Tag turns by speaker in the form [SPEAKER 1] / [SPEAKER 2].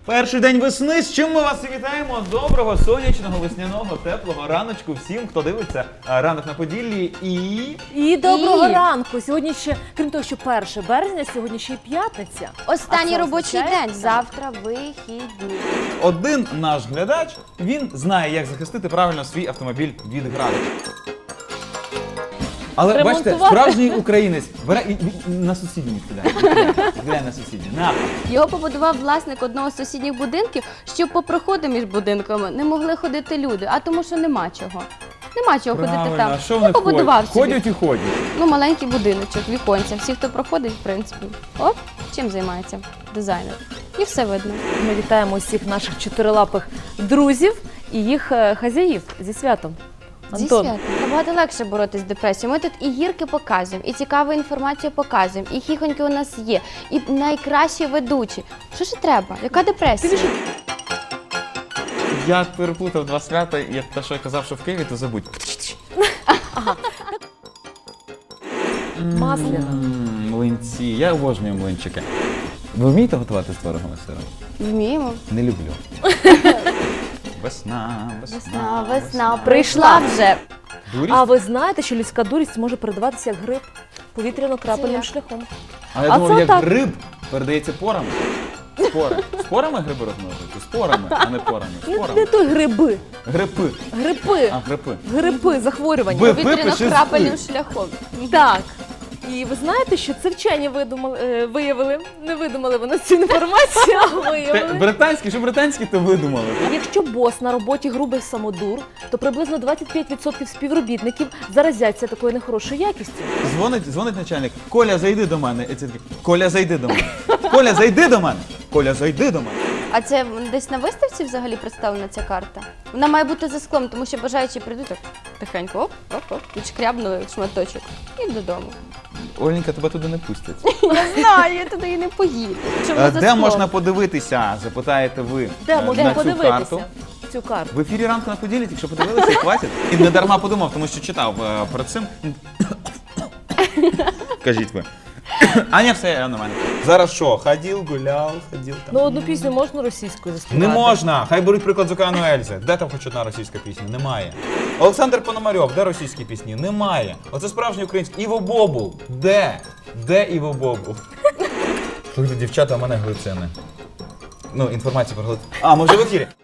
[SPEAKER 1] Перший день весни, з чим ми вас і вітаємо. Доброго, сонячного, весняного, теплого раночку всім, хто дивиться «Ранок на Поділлі»
[SPEAKER 2] І доброго ранку. Сьогодні ще, крім того, що 1 березня, сьогодні ще й п'ятниця.
[SPEAKER 3] Останній
[SPEAKER 2] А це
[SPEAKER 3] робочий
[SPEAKER 2] означає?
[SPEAKER 3] день, завтра вихідні.
[SPEAKER 1] Один наш глядач, він знає, як захистити правильно свій автомобіль від граду. Але бачите,
[SPEAKER 2] Ремонтувати.
[SPEAKER 1] справжній українець бере і на сусідній відкидає на сусідній. На.
[SPEAKER 3] Його побудував власник одного з сусідніх будинків, щоб по проходу між будинками не могли ходити люди, а тому що нема чого. Нема чого ходити
[SPEAKER 1] Правильно,
[SPEAKER 3] там.
[SPEAKER 1] а що вони
[SPEAKER 3] побудував собі.
[SPEAKER 1] ходять і ходять.
[SPEAKER 3] Ну, маленький будиночок, віконця. Всі, хто проходить, в принципі. Оп, чим займається дизайнер. І все видно.
[SPEAKER 2] Ми вітаємо усіх наших чотирилапих друзів і їх хазяїв зі святом.
[SPEAKER 3] Зі
[SPEAKER 2] Антон,
[SPEAKER 3] святом. Набагато легше боротись з депресією. Ми тут і гірки показуємо, і цікаву інформацію показуємо, і хіхоньки у нас є, і найкращі ведучі. Що ж треба? Яка депресія?
[SPEAKER 1] Я переплутав два свята, як те, що я казав, що в Києві, то забудь.
[SPEAKER 2] Масляна.
[SPEAKER 1] Млинці. Я обожнюю млинчики. Ви вмієте готувати з творогом і сиром?
[SPEAKER 3] Вміємо.
[SPEAKER 1] Не люблю. Весна,
[SPEAKER 3] Весна, весна, прийшла вже.
[SPEAKER 1] Дурість?
[SPEAKER 2] А ви знаєте, що людська дурість може передаватися як грип повітряно-крапельним
[SPEAKER 3] як?
[SPEAKER 2] шляхом?
[SPEAKER 1] А я
[SPEAKER 2] А
[SPEAKER 1] думав,
[SPEAKER 2] це
[SPEAKER 1] як
[SPEAKER 2] так.
[SPEAKER 1] гриб передається порами. Спори. Спорами гриби розмножуються? Спорами, а не порами.
[SPEAKER 2] Не
[SPEAKER 1] Спорами.
[SPEAKER 2] той гриби.
[SPEAKER 1] Грипи.
[SPEAKER 2] Грипи.
[SPEAKER 1] А, грипи.
[SPEAKER 2] Грипи, захворювання.
[SPEAKER 1] Ви-
[SPEAKER 3] Повітряно-крапельним шляхом.
[SPEAKER 2] Так. І ви знаєте, що це вчені виявили, не видумали вони цю інформацію, а виявили.
[SPEAKER 1] Британські, що британські, то видумали.
[SPEAKER 2] Якщо бос на роботі грубий самодур, то приблизно 25% співробітників заразяться такою нехорошою якістю.
[SPEAKER 1] Дзвонить начальник. Коля, зайди до мене. І це такий, Коля, зайди до мене. Коля, зайди до мене. Коля, зайди до мене.
[SPEAKER 3] А це десь на виставці взагалі представлена ця карта? Вона має бути за склом, тому що бажаючі прийдуть так тихенько, оп, відшкрябнули шматочок і додому.
[SPEAKER 1] Оленька, тебе туди не пустять.
[SPEAKER 3] Я знаю, я туди і не поїду. Чому за
[SPEAKER 1] Де
[SPEAKER 3] склом?
[SPEAKER 1] можна подивитися, запитаєте ви
[SPEAKER 2] Де можна
[SPEAKER 1] на цю
[SPEAKER 2] подивитися
[SPEAKER 1] карту.
[SPEAKER 2] цю карту?
[SPEAKER 1] В ефірі «Ранку на Поділлі», якщо подивилися, і хватить. І не дарма подумав, тому що читав перед цим. Кажіть ви. Аня, все, я нормально. Зараз що, ходив, гуляв, ходив там.
[SPEAKER 2] Ну, одну пісню можна російською заспівати?
[SPEAKER 1] Не можна! Хай беруть приклад з Океану Ельзи. Де там хоч одна російська пісня? Немає. Олександр Пономарьов, де російські пісні? Немає. Оце справжній український. Іво Бобул. Де? Де Іво Бобул? Слухайте, дівчата, у мене глицини. Ну, інформація про глицини. А, ми вже в ефірі.